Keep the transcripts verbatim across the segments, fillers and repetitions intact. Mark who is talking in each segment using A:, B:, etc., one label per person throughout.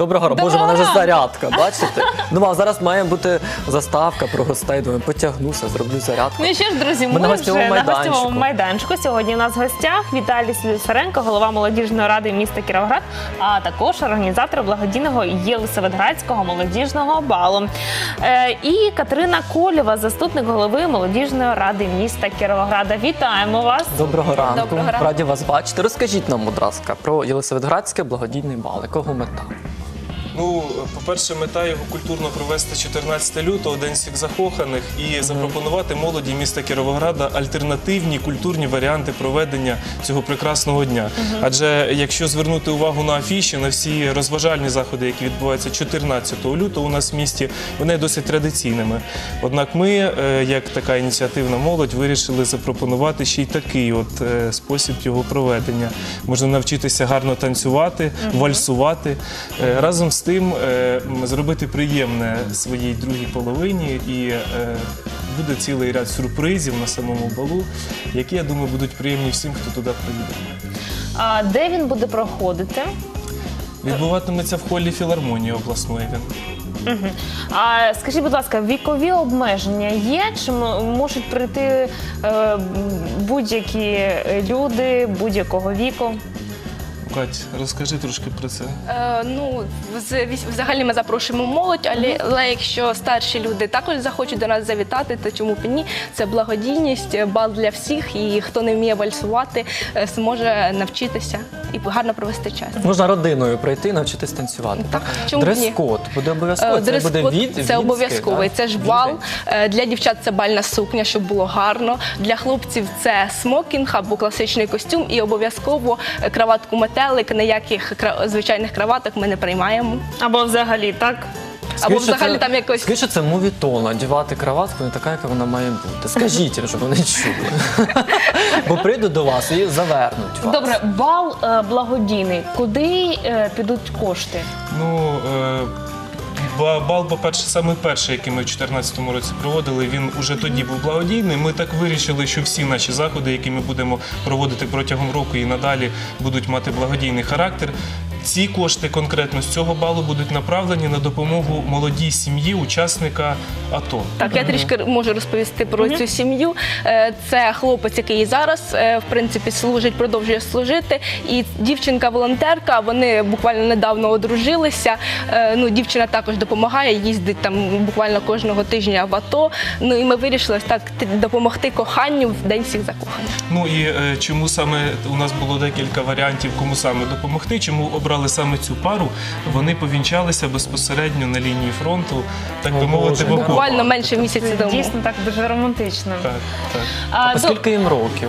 A: Доброго ранку. Боже, в мене вже зарядка, бачите? Думав, зараз має бути заставка про гостей. Думаю, потягнуся, зроблю зарядку.
B: Ну і що ж, друзі, ми,
A: ми на
B: вже
A: гостьовому
B: на гостьовому майданчику. Сьогодні у нас в гостях Віталій Слюсаренко, голова молодіжної ради міста Кіровоград, а також організатор благодійного Єлисаветградського молодіжного балу. Е, і Катерина Колєва, заступник голови молодіжної ради міста Кіровограда. Вітаємо вас.
A: Доброго ранку.
B: Доброго ранку.
A: Раді вас бачити. Розкажіть нам, будь ласка, про Єлисаветградський благодійний бал. Якого мета?
C: Ну, по-перше, мета його культурно провести чотирнадцятого лютого, День всіх закоханих, і запропонувати молоді міста Кіровограда альтернативні культурні варіанти проведення цього прекрасного дня. Адже якщо звернути увагу на афіші, на всі розважальні заходи, які відбуваються чотирнадцятого лютого у нас в місті, вони досить традиційними. Однак ми, як така ініціативна молодь, вирішили запропонувати ще й такий от спосіб його проведення. Можна навчитися гарно танцювати, вальсувати. Разом з тим зробити приємне своїй другій половині, і буде цілий ряд сюрпризів на самому балу, які, я думаю, будуть приємні всім, хто туди приїде.
B: А де він буде проходити?
C: Відбуватиметься в холі філармонії обласної він.
B: Угу. А скажіть, будь ласка, вікові обмеження є? Чи можуть прийти е, будь-які люди будь-якого віку?
C: Кать, розкажи трошки про це.
D: Е, ну, взагалі ми запрошуємо молодь, але, але якщо старші люди також захочуть до нас завітати, то чому б і ні? Це благодійність, бал для всіх, і хто не вміє вальсувати, зможе навчитися і гарно провести час.
A: Можна родиною прийти, навчитись танцювати.
D: Так, чому б ні?
A: Дрес-код буде обов'язково?
D: Це буде від, це обов'язковий.
A: Так?
D: Це ж бал. Для дівчат це бальна сукня, щоб було гарно. Для хлопців це смокінг або класичний костюм, і обов'язково краватку метелик. Ніяких звичайних краваток ми не приймаємо.
B: Або взагалі, так?
D: Або взагалі там якось...
A: Скажіть, що це мувітон, одягати краватку не така, яка вона має бути. Скажіть їм, щоб вони чули. Бо прийдуть до вас і завернуть вас.
B: Добре, бал е, благодійний. Куди е, підуть кошти?
C: Ну, е, бал, по-перше, саме перший, який ми в дві тисячі чотирнадцятому році проводили, він уже тоді був благодійний. Ми так вирішили, що всі наші заходи, які ми будемо проводити протягом року і надалі, будуть мати благодійний характер. Ці кошти конкретно з цього балу будуть направлені на допомогу молодій сім'ї учасника АТО.
D: Так, я трішки можу розповісти про цю сім'ю. Це хлопець, який зараз, в принципі, служить, продовжує служити. І дівчинка-волонтерка, вони буквально недавно одружилися. Ну, дівчина також допомагає, їздить там буквально кожного тижня в АТО. Ну, і ми вирішили так допомогти коханню в День всіх закоханих.
C: Ну, і е, чому саме, у нас було декілька варіантів, кому саме допомогти, чому обрати саме цю пару, вони повінчалися безпосередньо на лінії фронту, так би мовити, в окопах.
D: Буквально менше місяця тому.
B: Дійсно, так дуже романтично.
C: Так, так.
B: А,
A: А скільки їм років?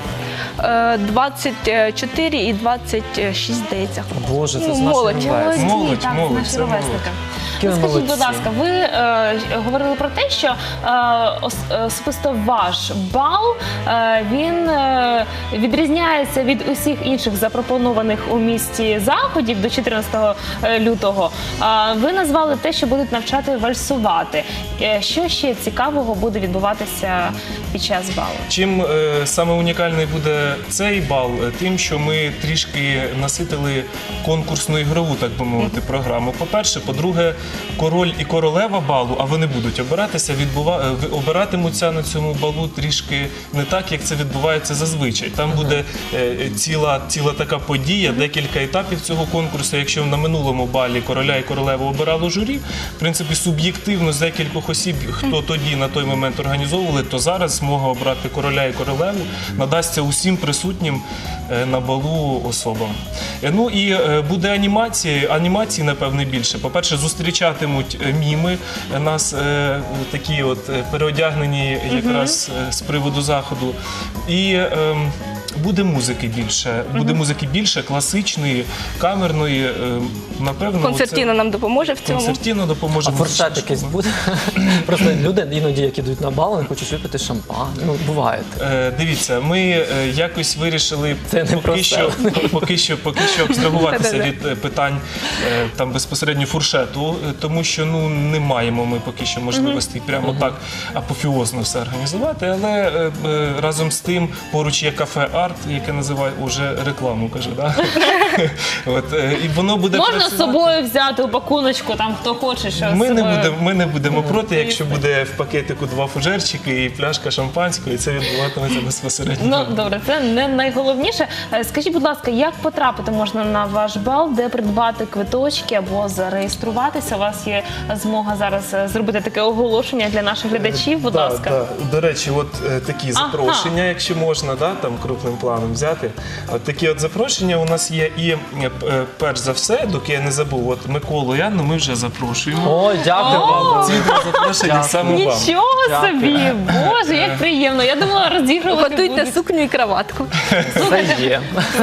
D: двадцять чотири і двадцять шість, здається.
A: Боже, це
D: Ну,
A: з
D: молодь.
A: нашим весом.
C: Молодь,
B: так,
C: молодь,
B: наші
C: це
B: ровесники.
C: молодь.
A: Які
B: Ну, скажіть, будь
A: молодці.
B: ласка, ви е, говорили про те, що е, ос, особисто ваш бал, е, він е, відрізняється від усіх інших запропонованих у місті заходів до чотирнадцятого лютого. Е, ви назвали те, що будуть навчати вальсувати. Е, що ще цікавого буде відбуватися під час балу?
C: Чим е, саме унікальний буде цей бал? Тим, що ми трішки наситили конкурсну ігрову, так би мовити, програму. По-перше, по-друге, король і королева балу, а вони будуть обиратися, відбува... обиратимуться на цьому балу трішки не так, як це відбувається зазвичай. Там буде е, ціла, ціла така подія, декілька етапів цього конкурсу. Якщо на минулому балі короля і королеву обирало журі, в принципі, суб'єктивно з декількох осіб, хто тоді на той момент організовували, то зараз змога обрати короля і королеву надасться усім присутнім е, на балу особам. Е, ну і е, буде анімація, анімації, напевне, більше. По-перше, зустрічатимуть міми нас е, такі от переодягнені якраз е, з приводу заходу. І е, буде музики більше, буде музики більше, класичної, камерної, е, напевно.
D: Концертіно
C: оце...
D: нам допоможе в цьому.
C: Концертіно допоможе.
A: А форшет якийсь буде? Просто люди іноді, які йдуть на бал, не хочуть випити шампан. Ну, буває.
C: Е, дивіться, ми е, якось вирішили
A: Це не
C: поки, що, поки, що, поки що абстрагуватися від е, питань е, там безпосередньо фуршету, е, тому що ну, не маємо ми поки що можливості прямо так апофіозно все організувати, але е, е, разом з тим поруч є кафе А, старт, яке називає уже рекламу, кажу, да? От, е, і воно буде
B: Можна з
C: працювати.
B: собою взяти у пакуночку, там хто хоче, що
C: Ми
B: з
C: не,
B: собою.
C: будемо, ми не будемо проти,
B: Звісно.
C: якщо буде в пакетику два фужерчики і пляшка шампанського, і це відбуватиметься безпосередньо.
B: Ну, добре, це не найголовніше. Е, Скажіть, будь ласка, як потрапити можна на ваш бал, де придбати квиточки або зареєструватися? У вас є змога зараз е, зробити таке оголошення для наших глядачів, будь
C: Да,
B: ласка.
C: да. До речі, от е, такі
B: Ага.
C: запрошення, якщо можна, да, там крупним планом взяти. От такі от запрошення у нас є. І е, е, перш за все, доки я не забув, от Миколу і Анну ми вже запрошуємо.
A: О, дякую вам.
C: Ці два запрошення
A: Дякую.
C: саме вам.
B: Нічого
A: Дякую.
B: собі! Боже, як приємно. Я думала, розігрувати
D: Готуйте
B: будуть.
D: сукню і краватку.
A: Це є.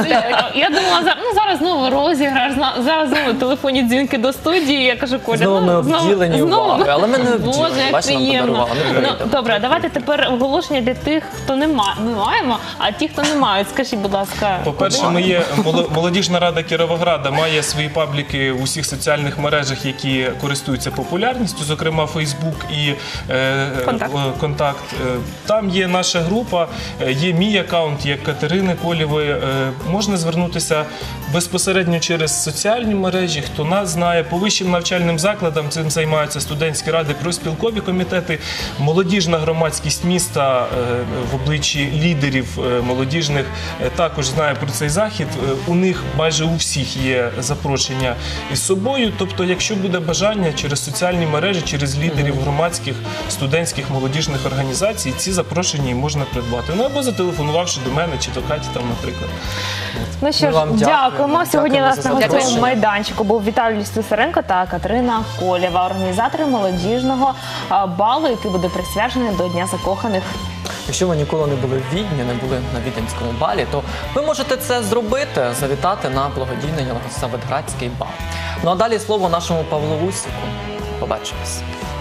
B: Я думала, зараз, ну, зараз знову розіграш, зна- зараз знову телефонні дзвінки до студії. Я кажу, Коля,
A: Знову ми
B: ну,
A: обділені увагою, але ми не обділені.
B: Боже, як
A: Бачите, нам
B: приємно.
A: подарували, не
B: Ну,
A: прийдемо.
B: добре, давайте тепер оголошення для тих, хто не має. Ми маємо, а ті, хто не мають, скажіть, будь ласка.
C: По-перше, ми є моло- молодіжна рада Кіровограда має свої пабліки в усіх соціальних мережах, які користуються популярністю, зокрема Фейсбук і е,
D: Контакт.
C: е, Контакт. Е, Там є наша група, е, є мій аккаунт, є Катерини Колєвої. Е, Можна звернутися безпосередньо через соціальні мережі. Хто нас знає, по вищим навчальним закладам цим займаються студентські ради, профспілкові комітети, молодіжна громадськість міста е, в обличчі лідерів е, молодіжних е, також знає про цей захід. Е, У них майже у всіх є запрошення із собою. Тобто, якщо буде бажання через соціальні мережі, через лідерів громадських, студентських, молодіжних організацій, ці запрошення і можна придбати. Ну або зателефонувавши до мене чи до Каті, там, наприклад.
B: Ну що
A: Ми
B: ж,
A: вам
B: дякуємо.
A: дякуємо.
B: Сьогодні у
A: Дякуємо
B: нас
A: за
B: на гостєвому
A: запрошення.
B: майданчику був Віталій Слюсаренко та Катерина Колєва, організатори молодіжного а, балу, який буде присвячений до Дня закоханих.
A: Якщо ви ніколи не були в Відні, не були на Віденському балі, то ви можете це зробити, завітати на благодійний Єлисаветградський бал. Ну а далі слово нашому Павлу Усіку. Побачимось.